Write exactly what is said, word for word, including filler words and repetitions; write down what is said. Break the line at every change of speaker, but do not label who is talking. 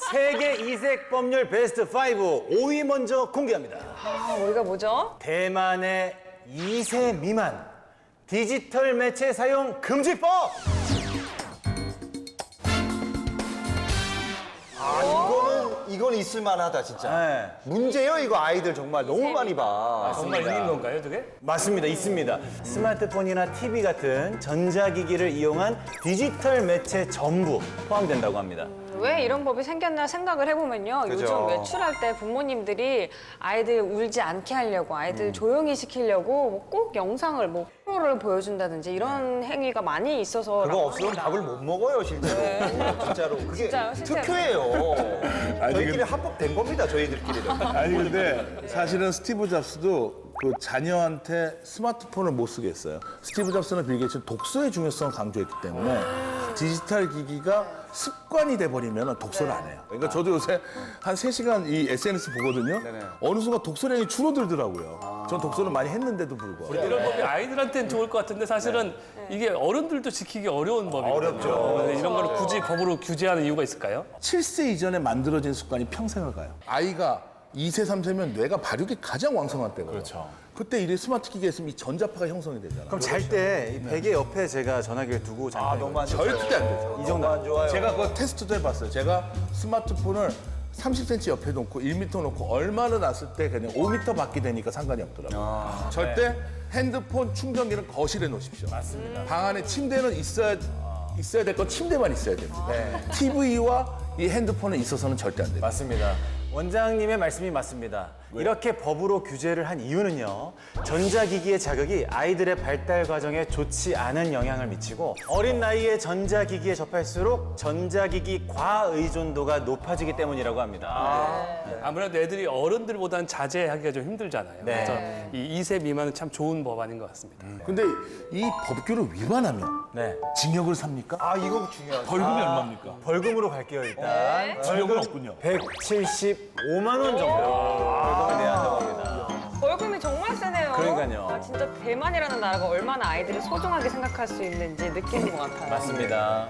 세계 이색 법률 베스트 오, 오 위 먼저 공개합니다.
아, 우리가 뭐죠?
대만의 이 세 미만 디지털 매체 사용 금지법!
아, 이거는 이건 있을 만하다 진짜.
네.
문제요 이거 아이들 정말 너무 많이 봐.
정말 있는 건가요, 저게?
맞습니다. 있습니다. 스마트폰이나 티비 같은 전자기기를 이용한 디지털 매체 전부 포함된다고 합니다.
왜 이런 법이 생겼나 생각을 해보면요.
그죠.
요즘 외출할 때 부모님들이 아이들 울지 않게 하려고, 아이들 조용히 시키려고 뭐꼭 영상을 뭐 프로를 보여준다든지 이런 행위가 많이 있어서.
그거 없으면 밥을 못 먹어요 실제로. 진짜로 그게
진짜요, 실제로.
특효예요.
아니,
저희끼리
근데-
합법된 겁니다 저희들끼리는.
아니 근데 사실은 스티브 잡스도 그 자녀한테 스마트폰을 못 쓰게 했어요. 스티브 잡스는 빌 게이츠는 독서의 중요성을 강조했기 때문에 디지털 기기가 습관이 돼버리면 독서를 안 해요. 그러니까 저도 요새 한 세 시간 이 에스엔에스 보거든요. 어느 순간 독서량이 줄어들더라고요. 전 독서를 많이 했는데도 불구하고.
이런 법이 아이들한테는 좋을 것 같은데 사실은 이게 어른들도 지키기 어려운 법이거든요.
어렵죠.
이런 걸 굳이 법으로 규제하는 이유가 있을까요?
칠 세 이전에 만들어진 습관이 평생을 가요. 아이가 이 세, 삼 세면 뇌가 발육이 가장 왕성한 때거든요.
그렇죠.
그때 이 스마트 기기가 있으면 이 전자파가 형성이 되잖아.
그럼 잘 때 베개 옆에 제가 전화기를 두고 자는
아
거예요.
너무 안 좋아요.
절대 안 되죠.
이 정도 안 좋아요.
제가 그거 테스트도 해봤어요. 제가 스마트폰을 삼십 센티미터 옆에 놓고 일 미터 놓고 얼마를 놨을 때 그냥 오 미터 밖이 되니까 상관이 없더라고요. 절대 핸드폰 충전기는 거실에 놓으십시오. 맞습니다. 방 안에 침대는 있어야 있어야 될 건 침대만 있어야 됩니다. 티비와 이 핸드폰은 있어서는 절대 안 됩니다.
맞습니다. 원장님의 말씀이 맞습니다. 이렇게 법으로 규제를 한 이유는요. 전자기기의 자극이 아이들의 발달 과정에 좋지 않은 영향을 미치고 어린 나이에 전자기기에 접할수록 전자기기 과의존도가 높아지기 때문이라고 합니다.
아무래도 애들이 어른들보다는 자제하기가 좀 힘들잖아요.
네.
그래서 이 이 세 미만은 참 좋은 법안인 것 같습니다.
근데 이 법규를 위반하면
네.
징역을 삽니까?
아 이거 중요하죠.
벌금이 얼마입니까?
벌금으로 갈게요, 일단.
징역은 없군요.
백칠십오만 원 정도 벌금을 내야 한다고 합니다.
벌금이 정말 세네요.
그러니까요.
아, 진짜 대만이라는 나라가 얼마나 아이들을 소중하게 생각할 수 있는지 느끼는 것 같아요.
맞습니다.